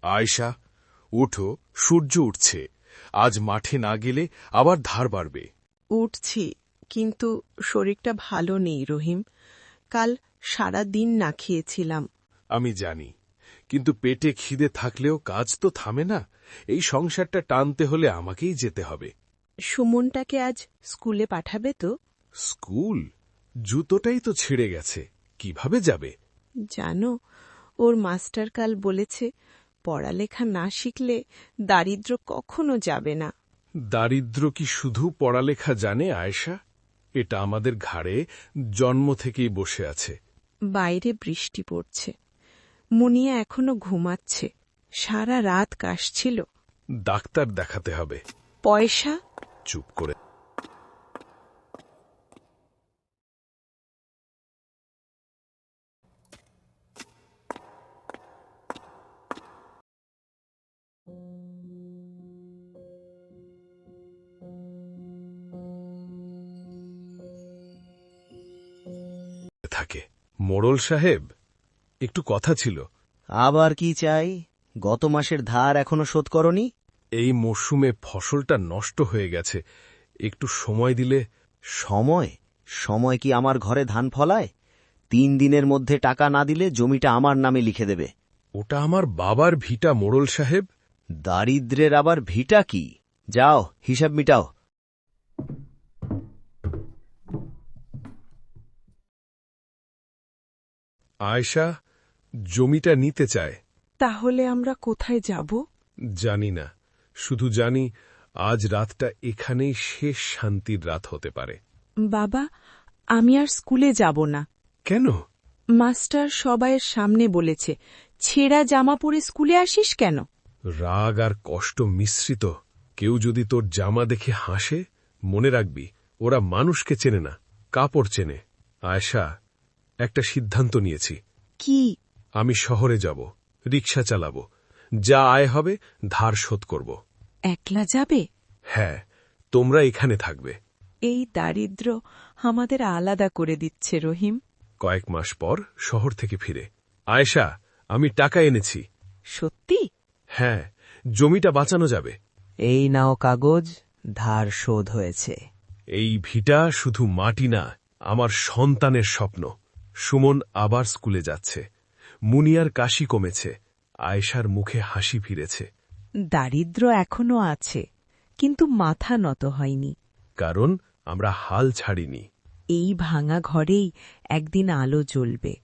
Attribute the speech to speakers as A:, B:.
A: আয়শা, উঠো, সূর্য উঠছে। আজ মাঠে না গেলে আবার ধার বাড়বে।
B: উঠছি, কিন্তু শরীরটা ভালো নেই রহিম। কাল সারা দিন না খেয়েছিলাম।
A: আমি জানি, কিন্তু পেটে খিদে থাকলেও কাজ তো থামে না। এই সংসারটা টানতে হলে আমাকেই যেতে হবে।
B: সুমনটাকে আজ স্কুলে পাঠাবে তো?
A: স্কুল? জুতোটাই তো ছিঁড়ে গেছে, কিভাবে যাবে?
B: জানো, ওর মাস্টার কাল বলেছে পড়ালেখা না শিখলে দারিদ্র কখনো যাবে না।
A: দারিদ্র কি শুধু পড়ালেখা জানে আয়েশা? এটা আমাদের ঘাড়ে জন্ম থেকেই বসে আছে।
B: বাইরে বৃষ্টি পড়ছে, মুনিয়া এখনো ঘুমাচ্ছে। সারা রাত কাশছিল।
A: ডাক্তার দেখাতে হবে।
B: পয়সা?
A: চুপ করে থাকে। মোড়ল সাহেব, একটু কথা ছিল।
C: আবার কি চাই? গত মাসের ধার এখনো শোধ করনি?
A: এই মরশুমে ফসলটা নষ্ট হয়ে গেছে, একটু সময় দিলে।
C: সময়? সময় কি আমার ঘরে ধান ফলায়? 3 দিনের মধ্যে টাকা না দিলে জমিটা আমার নামে লিখে দেবে।
A: ওটা আমার বাবার ভিটা মোড়ল সাহেব।
C: দারিদ্রের আবার ভিটা কি? যাও, হিসাব মিটাও।
A: আয়শা জমিটা নিতে চায়।
B: তাহলে আমরা কোথায় যাব?
A: জানি না, শুধু জানি আজ রাতটা এখানেই শেষ শান্তির রাত হতে পারে।
B: বাবা, আমি আর স্কুলে যাব না।
A: কেন?
B: মাস্টার সবাইয়ের সামনে বলেছে, ছেঁড়া জামা পরে স্কুলে আসিস কেন?
A: রাগ আর কষ্ট মিশ্রিত। কেউ যদি তোর জামা দেখে হাসে, মনে রাখবি ওরা মানুষকে চেনে না, কাপড় চেনে। আয়শা, একটা সিদ্ধান্ত নিয়েছি।
B: কি?
A: আমি শহরে যাব, রিক্সা চালাব, যা আয় হবে ধার শোধ করব।
B: একলা যাবে?
A: হ্যাঁ, তোমরা এখানে থাকবে।
B: এই দারিদ্র আমাদের আলাদা করে দিচ্ছে রহিম।
A: কয়েক মাস পর শহর থেকে ফিরে। আয়েশা, আমি টাকা এনেছি।
B: সত্যি?
A: হ্যাঁ, জমিটা বাঁচানো যাবে।
C: এই নাও কাগজ, ধার শোধ হয়েছে।
A: এই ভিটা শুধু মাটি না, আমার সন্তানের স্বপ্ন। সুমন আবার স্কুলে যাচ্ছে, মুনিয়ার কাশি কমেছে, আয়েশার মুখে হাসি ফিরেছে।
B: দারিদ্র এখনো আছে, কিন্তু মাথা নত হয়নি।
A: কারণ আমরা হাল ছাড়িনি।
B: এই ভাঙা ঘরেই একদিন আলো জ্বলবে।